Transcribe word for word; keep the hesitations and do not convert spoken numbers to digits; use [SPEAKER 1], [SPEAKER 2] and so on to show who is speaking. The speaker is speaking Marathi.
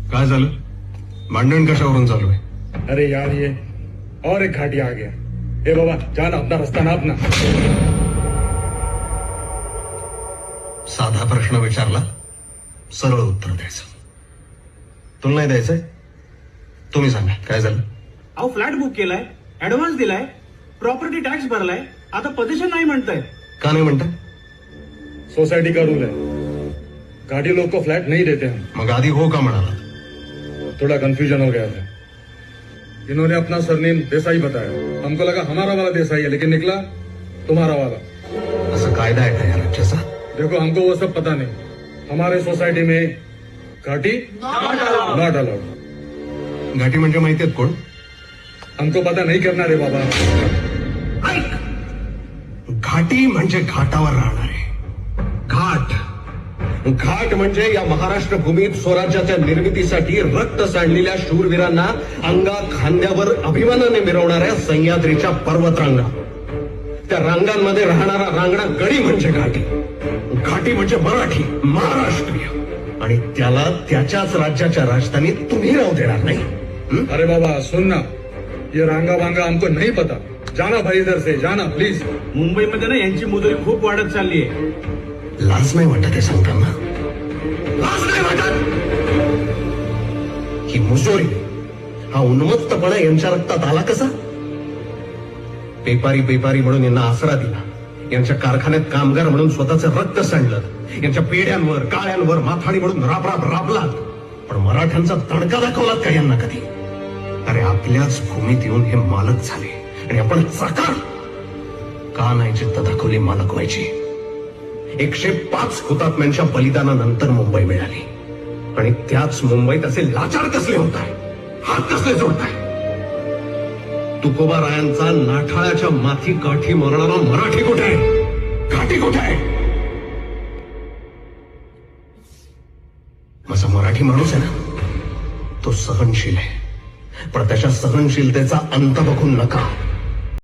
[SPEAKER 1] काय झालं? भांडण कशावरून चालू आहे?
[SPEAKER 2] अरे यार ये और एक घाटी आ गया। ए बाबा जाना, अपना रास्ता नाप ना।
[SPEAKER 1] साधा प्रश्न विचारला, सरळ उत्तर द्यायचं। तुला नाही द्यायचंय? तुम्ही सांगा काय झालं?
[SPEAKER 3] अहो फ्लॅट बुक केलाय, ऍडव्हान्स दिलाय, प्रॉपर्टी टॅक्स भरलाय, आता पोझिशन नाही म्हणताय।
[SPEAKER 1] का नाही म्हणताय?
[SPEAKER 2] सोसाइटी का रूल है, घाटी लोग को फ्लैट नहीं देते हम।
[SPEAKER 1] मग आधी हो का म्हणाला?
[SPEAKER 2] थोड़ा कंफ्यूजन हो गया था। इन्होंने अपना सरनेम देसाई बताया, हमको लगा हमारा वाला देसाई है, लेकिन निकला तुम्हारा वाला।
[SPEAKER 1] असं कायदा आहे का या राज्याचा?
[SPEAKER 2] देखो हमको वो सब पता नहीं, हमारे सोसाइटी में घाटी नॉट अलाउड।
[SPEAKER 1] घाटी म्हणजे माहिती आहेत कोण?
[SPEAKER 2] हमको पता नहीं करना रे बाबा।
[SPEAKER 1] ऐक, घाटी म्हणजे घाटावर राहणारे। घाट घाट म्हणजे या महाराष्ट्र भूमीत स्वराज्याच्या निर्मितीसाठी रक्त सांडलेल्या शूरवीरांना अंगा खांद्यावर अभिमानाने मिरवणाऱ्या सह्याद्रीच्या पर्वतरांगा। त्या रांगांमध्ये राहणारा रांगडा गडी म्हणजे घाटी। घाटी म्हणजे मराठी, महाराष्ट्रीय, आणि त्याला त्याच्याच राज्याच्या राजधानीत तुम्ही राहू देणार नाही। हं?
[SPEAKER 2] अरे बाबा सुनना, ये रांगा वांगा हमको नहीं पता, जाना भाई इधर से, जाना प्लीज।
[SPEAKER 3] मुंबईमध्ये ना यांची मुदरी खूप वाढत चालली आहे।
[SPEAKER 1] लाज नाही वाटत हे सांगताना? लाज नाही वाटत? ही मुजोरी, हा उन्मत्तपणा यांच्या रक्तात आला कसा? पेपारी पेपारी म्हणून यांना आसरा दिला, यांच्या कारखान्यात कामगार म्हणून स्वतःचं रक्त सांडलं, यांच्या पेढ्यांवर काळ्यांवर माथाडी म्हणून राब राब राबलात, पण मराठ्यांचा तडका दाखवलात का यांना कधी? अरे आपल्याच भूमीत येऊन हे मालक झाले आणि आपण चाकार का नाही जिद्द दाखवली मालक व्हायची? एकशे पाच हुतात्म्यांच्या बलिदानानंतर मुंबई मिळाली, आणि त्याच मुंबईत असे लाचार कसले होत आहे, हात कसले जोडताय? तुकोबा रायांचा नाठाळ्याच्या माथी काठी मरणारा मराठी कुठे आहे? घाटी कुठे आहे? माझा मराठी माणूस आहे ना, तो सहनशील आहे, पण त्याच्या सहनशीलतेचा अंत बघून नका।